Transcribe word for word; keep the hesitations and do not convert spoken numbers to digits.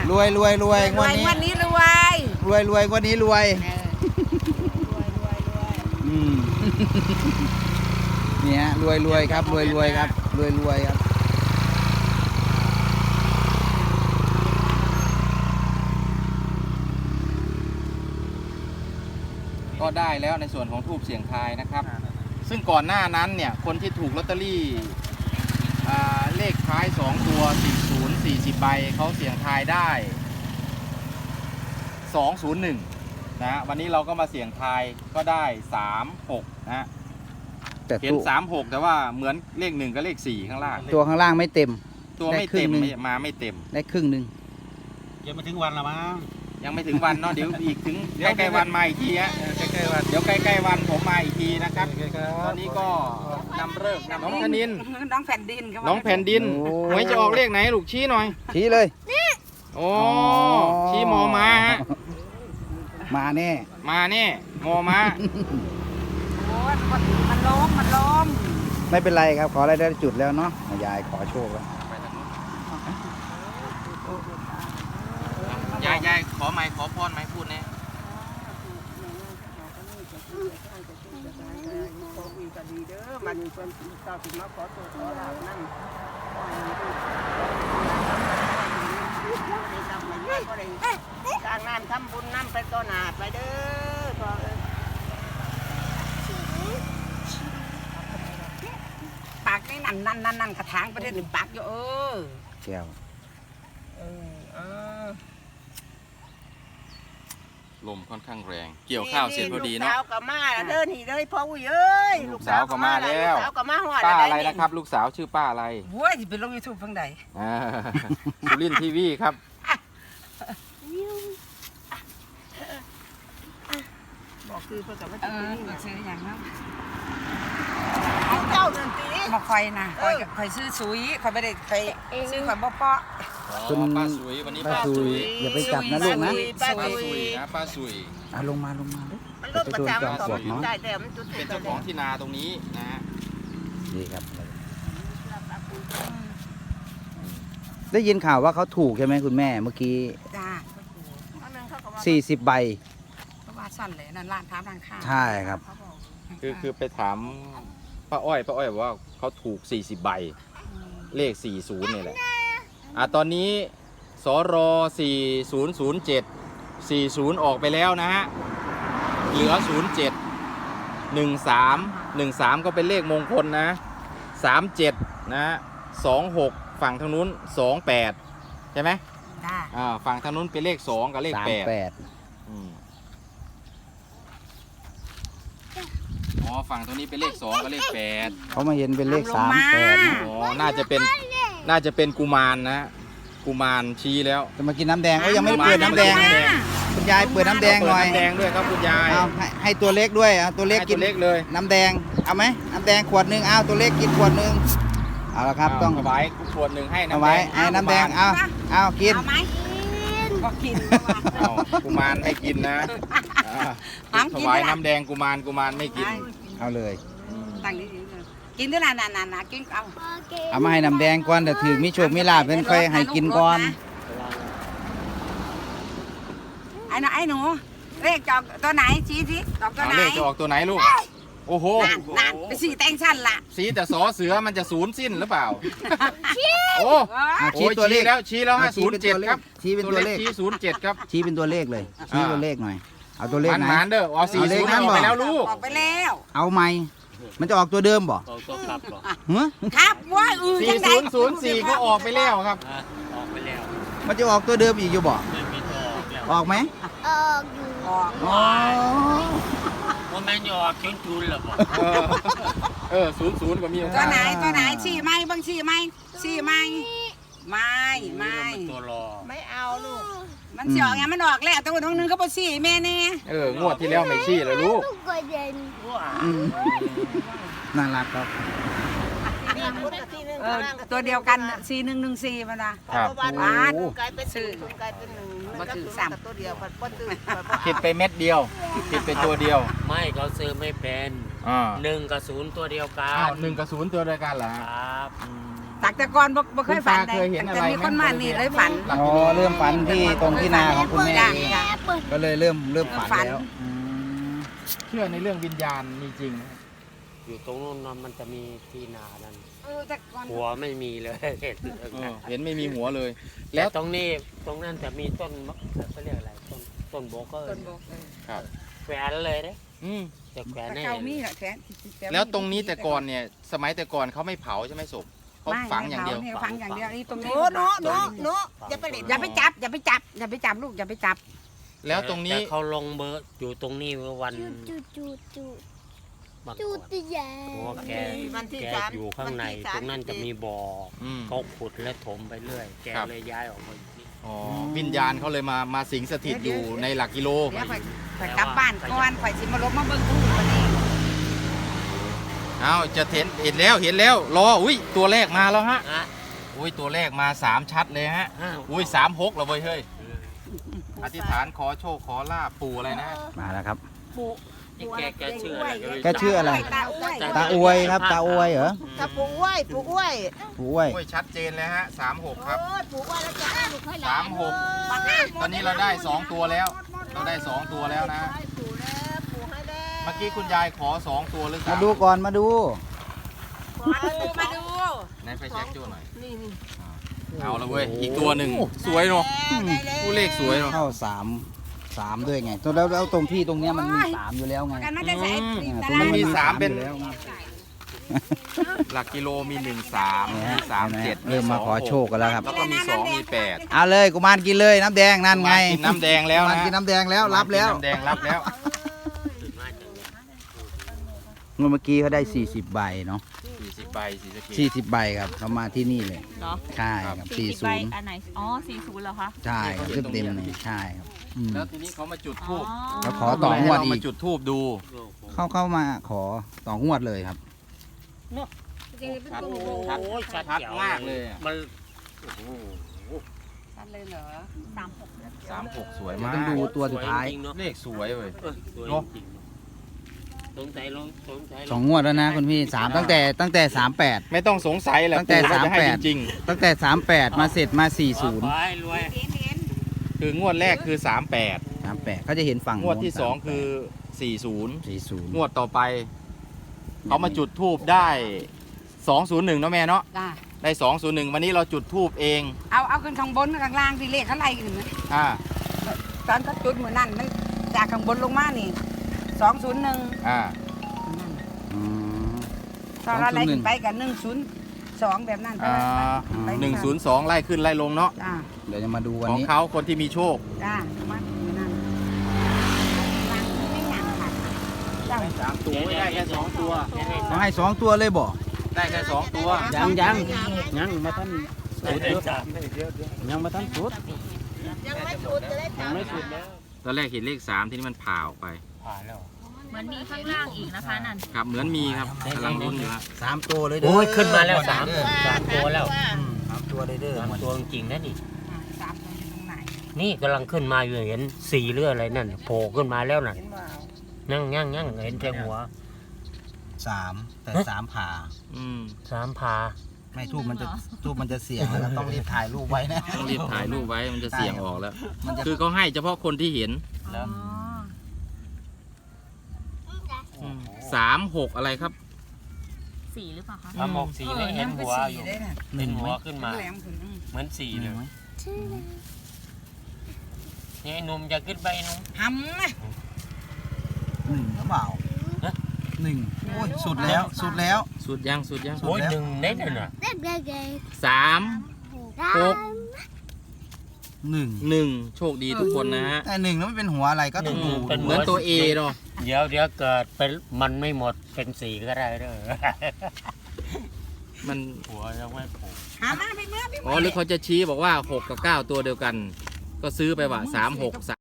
รวยรวยรวยงวดนี้งวดนี้รวยรวยรวยงวดนี้รวยรวยรวยรวยอืมนี่ฮะรวยรวยครับรวยรวยครับรวยรวยครับก็ได้แล้วในส่วนของทูบเสียงทายนะครับซึ่งก่อนหน้านั้นเนี่ยคนที่ถูกลอตเตอรี่เลขท้ายสองตัวสี่ศูนย์ สี่สิบใบเขาเสียงทายได้สองศูนย์หนึ่งนะวันนี้เราก็มาเสี่ยงทายก็ได้สามหกนะเห็นสามหกแต่ว่าเหมือนเลขหนึ่งกับเลขสี่ข้างล่างตัวข้างล่างไม่เต็มตัวไม่เต็มมาไม่เต็มได้ครึ่งหนึ่งยังไม่ถึงวันละมั้งยังไม่ถึงวันเนาะเดี๋ยวอีกถึงใกล้ๆวันมาอีกทีฮะใกล้ๆวันเดี๋ยวใกล้ๆวันผมมาอีกทีนะครับตอนนี้ก็นำเลิกนำน้องธนินน้องแผ่นดินน้องแผ่นดินหวยจะออกเลขไหนลูกชี้หน่อยชี้เลยโอ้ชี้มอมาฮะมาแน่มาแน่มอมาโอ้ยมันล้มมันล้มไม่เป็นไรครับขออะไรได้จุดแล้วเนาะยายขอโชคแล้วยายยายขอไม้ขอพรไม้พูดแน่มันเป็นต่อถึงมาขอตัวขอลาบนั่งสร้างน้ำทำบุญน้ำไปต่อหนาไปเด้อปากนี่นั่นนั่นนั่นนั่นกระถางประเทศหนึ่งปากอยู่เออแก้วเออเออลมค่อนข้างแรงเกี่ยวข้าวเสร็จพอดีเนาะลูกสาวก็มาเด้อนี่เลยพ่ออุ้ยเอ้ยลูกสาวก็มาแล้วป้าอะไรนะครับลูกสาวชื่อป้าอะไรโว้ยจะไปลงยูทูบฟังใดสุรินทร์ทีวีครับบอกคือเพื่อจะไม่ติดนี่ซื้ออย่างนั้นเจ้าเดินตีมาคอยนะคอยคอยซื้อซุยคอยไม่ได้คอยซื้อคอยบ่เปาะคุณป้าสุยวันนี้ป้าสุยอย่าไปจับนะลูกนะป้าสุยนะป้าสุยอ่ะลงมาลงมาด้วยมันรถประจำมันก็ได้แต่มันจุดเป็นเจ้าของที่นาตรงนี้นะฮะดีครับได้ยินข่าวว่าเขาถูกใช่ไหมคุณแม่เมื่อกี้จ้าสี่สิบใบเพราะว่าสั้นเลยนั่นร้านท้าร้านข้าวใช่ครับคือคือไปถามป้าอ้อยป้าอ้อยบอกว่าเขาถูกสี่สิบใบเลขสี่สิบนี่แหละอ่ะตอนนี้สรสี่ศูนย์ศูนย์เจ็ด สี่ศูนย์ออกไปแล้วนะฮะเหลือศูนย์เจ็ด หนึ่งสาม หนึ่งสามก็เป็นเลขมงคลนะสามเจ็ดนะฮะสองหกฝั่งทางนู้นสองแปดใช่ไหมอ่าฝั่งทางนู้นเป็นเลขสองกับเลขแปดอืมอ๋อฝั่งตรงนี้เป็นเลขสองกับเลขแปดเขามาเห็นเป็นเลขสามแปดอ๋อน่าจะเป็นน่าจะเป็นกุมารนะกุมารชี้แล้วจะมากินน้ำแดงก็ยังไม่เปิดน้ำแดงคุณยายเปิดน้ำแดงหน่อยน้ำแดงด้วยครับคุณยายเอาให้ให้ตัวเล็กด้วยเอาตัวเล็กกินเล็กเลยน้ำแดงเอาไหมน้ำแดงขวดหนึ่งเอาตัวเล็กกินขวดหนึ่งเอาละครับต้องเอาไว้ขวดหนึ่งให้น้ำแดงให้น้ำแดงเอาเอากินก็กินกุมารไม่กินนะถวายน้ำแดงกุมารกุมารไม่กินเอาเลยตั้งนี้กินด้วยนะนานๆกินเอาเอามาให้น้ำแดงก่อนแต่ถือมิโชคมิลาภเป็นค่อยให้กินก่อนไอ้หนูไอ้หนูเลขจอกตัวไหนชี้สิจอกตัวไหนเลขจะออกตัวไหนลูกโอ้โหนั่นไปสีแตงสั้นละสีแต่สอเสือมันจะศูนย์สิ้นหรือเปล่าโอ้ชี้ตัวเลขแล้วชี้แล้วฮะศูนย์เจ็ดครับชี้เป็นตัวเลขชี้ศูนย์เจ็ดครับชี้เป็นตัวเลขเลยชี้ตัวเลขหน่อยเอาตัวเลขไหนมันเด้อเอาสี่เลขนั้นบอกไปแล้วลูกออกไปแล้วเอาไหมมันจะออกตัวเดิมบ่ออกตัวครับบ่ครับว่าอือสี่ศูนย์ศูนย์สี่ก็ออกไปแล้วครับออกไปแล้วมันจะออกตัวเดิมอีกอยู่บ่ออกไหมออกอยู่ออกอ๋อว่าแม่ยออกชุนชุนหรอบ่เออศูนย์ศูนย์ก็มีตัวไหนตัวไหนชี้ไหมบางชี้ไหมชี้ไหมไม่ไม่ตัวรอไม่เอาลูกมันสิออกไงมันออกแล้วตัวนึงก็บ่ชี้แม่แน่เอองวดที่แล้วไม่ชี้เลยลูกน่ารักครับตัวเดียวกันสี่หนึ่งหนึ่งสี่มันนะครับบ้านซื้อมาถือสามตัวเดียวผิดไปเม็ดเดียวผิดไปตัวเดียวไม่เขาซื้อไม่เป็นหนึ่งกับศูนย์ตัวเดียวกันหนึ่งกับศูนย์ตัวเดียวกันเหรอครับตตักแต่ก่อนบ่บ่เคยฝันคุณตาเคยเห็นอะไรแต่มีคนมานี่เลยฝันอ๋อเริ่มฝันที่ตรงที่นาของคุณแม่จ้ะเองจ้ะก็เลยเริ่มเริ่มเริ่มฝัฝันนแล้วอืมเชื่อในเรื่องวิญญาณมีจริงไหมอยู่ตรงนู้นนะมันจะมีที่นานั่นเออแต่ก่อนหัวไม่มีเลย เห็นเออเห็นไม่มีหัวเลยแล้แล้ว วตรงนี้ตรงนั้นจะมีต้นมะเขาเรียกอะไรต้นต้นโบกเกอร์ต้นโบกเออครับแขวนเลยเด้อืมจะแขวนแต่ให้เก่ามีแหละแขนแล้วตรงนี้แต่ก่อนเนี่ย สมัยแต่ก่อนเขาไม่เผาใช่ไหมศพเขาฝังอย่างเดียวไม่ฝังอย่างเดียวนี่ตรงหนี้นูหนูหนูหนูจะไปเล่นอย่าไปจับอย่าไปจับอย่าไปจับลูกอย่าไปจับแล้วตรงนี้แต่เขาลงเบอร์อยู่ตรงนี้เมื่อวันจูจูจูมาจูก่อนตีใหญ่เพราะว่าแกวันที่แกสามอยู่ข้างในวัที่สามตรงนั้นจะมีบ่ออืมเขาขุดและถมไปเรื่อย แกครับเลยย้ายออกมาอยู่นี่อ๋อวิญญาณเขาเลยมามาสิงสถิตอยู่ในหลักกิโลเดี๋ยวข่อยข่อยกลับบ้านก่อนข่อยสิมาลบมาเบิ่งทุ่งวันนี้เอาจะเห็นเห็นแล้วเห็นแล้วรออุ้ยตัวแรกมาแล้วฮะอ่ะอุ้ยตัวแรกมาสามชัดเลยฮะอ้าวอุ้ยสามหกแล้วเว้ยเฮ้ยอธิษฐานขอโชคขอลาบปู่อะไรนะมาแล้วครับนี่แกแกชื่ออะไรแกชื่ออะไรตาอ้วยตาอวยครับ ตาอวยเหรอถ้าปลูกอ้วยปลูกอ้วยผู้อวยอุ้ยชัดเจนเลยฮะสามหกครับโอ้ยปลูกอ้วยแล้วจะให้ลูกให้หลาสาน มหกตอนนี้เราได้สองตัวแล้ว เราได้สองตัวแล้วนะให้ปลูกแล้วปลูกให้แล้วเมื่อกี้คุณยายขอสองตัวหรือสามมาดูก่อนมาดูมาดูมาดูไหนไฟแช็กจูหน่อยนี่นี่เอาละเว้ยอีกตัวหนึ่งสวยเนาะได้แล้วผู้เลขสวยเนาะเข้าสามสามด้วยไงตัวแล้วแล้วตรงที่ตรงเนี้ยมันมีสามอยู่แล้วไงกันมันจะใส่อ่าตาตรงรานี้มีสามเป็นอยู่แล้วไงหลักกิโลมีหนึ่งสามเนี่ยมีสามเจ็ดเริ่มมาขอโชคกันแล้วครับแล้วก็มีสองมีแปดเอาเลยกุมารกินเลยน้ำแดงนั่นไงกินน้ำแดงแล้วกุมารนะกินน้ำแดงแล้วรับแล้วกินน้ำแดงรับแล้วเมื่อกี้เขาได้สี่สิบใบเนาะสี่สิบใบสี่สิบสี่สิบใบครับเขามาที่นี่เลยเหรอใช่ครับสี่ใบศูนย์อันไหน อ๋อสี่ศูนย์เหรอคะใช่ครับเต็มเต็มๆเลยใช่ครับอืมแล้วทีนี้เขามาจุดอ๋ทูอบแล้วขอต่องวดอีกมาจุดทูบดูเข้าเข้ามาขอต่องวดเลยครับชัดโอ้ชัดโหชัดชัดเจ๋วมากเลยอะมันโอ้โหชัดเลยเหรอสามหกสามหกสวยเดี๋ยวมาต้องกดูตัวสุดท้ายจริงๆเนอะเลขสวยเว้ยเออสวยเนอะจริงๆสงสัยลงสงสัยลสองงวดแล้วนะคุณพี่สามตั้งแต่ตั้งแต่สามแปดไม่ต้องสงสัยแหละตั้งแต่ปู่น่จะให้สามแปดจริงตั้งแต่สามแปดมาเสร็จมาสี่ศูนย์ขอให้รวยเห็นเห็นๆคืองวดแรกคือสามแปดสามแปดเขาจะเห็นฝั่งงวดที่สองคือสี่ศูนย์สี่ศูนย์งวดต่อไปเขามาจุดทูบได้สองศูนย์หนึ่งเนาะแม่เนาะจ้าได้สองศูนย์หนึ่งวันนี้เราจุดทูบเองเอาเอาขึ้นข้างบนข้างล่างที่เลขเขาไล่กันนะอ่าตอนก็จุดเหมือนนั่นมันจากข้างบนลงมานี่สองศูนย์หนึ่งอ่าอืมตอนเราไล่ขึ้นไปกับหนึ่งศูนย์สองแบบนั้นอ่าไปหนึ่งศูนย์สองไล่ขึ้นไล่ลงเนาะจ้าเดี๋ยวจะมาดูวันของนี้เขาคนที่มีโชคจ้ามาอยู่นั่นล่างไม่หยังค่ะจ้าสามตัวไม่ได้แค่สองตัวเขาให้สองตัวเลยบ่ได้แค่สองตัวยังยังยังมาท่านได้สามยังมาท่านสุดยังไม่สุดจะได้จับไม่สุดแล้วตอนแรกเห็นเลขสามที่นี่มันผ่าออกไปผ่านแล้วเหมือนมีข้างล่างอีกนะคะนั่นครับเหมือนมีครับกำลังลุ้นอยู่ครับสามตัวเลยเด้อโอ้ยขึ้นมาแล้วสามสามตัวแล้วอืมสามตัวเลยเด้อสามตัวจริงๆนะนี่สามตัวอยู่ตรงไหนนี่กำลังขึ้นมาอยู่เห็นสีเลือดอะไรนั่นโผล่ขึ้นมาแล้วน่ะเห็นว่ายั่งยั่งยั่งเห็นแต่หัวสามแต่สามผ่าอืมสามพาไม่ทูบมันจะทูบมันจะเสียงนะครับต้องรีบถ่ายรูปไว้นะต้องรีบถ่ายรูปไว้มันจะเสี่ยงออกแล้วมันจะคือเขาให้เฉพาะคนที่เห็นอ๋อสามหกอะไรครับสี่หรือเปล่าคะสามหกสีไม่เห็นหัวอยู่ได้น่ะหนึ่งหัไหมวขึ้นมาแหลมขึ้นอืมเหมือนสีหเลนึ่ยงไหมนี่ไอ้หนุ่มจะขึ้นไปไอ้หนุ่มหำนะหนึ่งหรือเปล่าฮะหนึ่งโอ้ยสุดแล้วสุดแล้วสุดยังสุดยังโอ้ยหนึ่งเน็ตเลยน่ะเด็กเด็กเด็กสามหกหนึ่งหนึ่งโชคดีทุกคนนะฮะแต่หนึ่งแล้วมันเป็นหัวอะไรก็ต้องดูเป็นเหมือนตัวเอเนาะเดี๋ยวเดี๋ยวเกิดเป็นมันไม่หมดเป็นสีก็ได้เด้อมันหัวยังไม่โผล่หามาไปเมื่อไปอ๋อหรือเขาจะชี้บอกว่าหกกับเก้าตัวเดียวกัน ก็ซื้อไปว่าสามหกสาม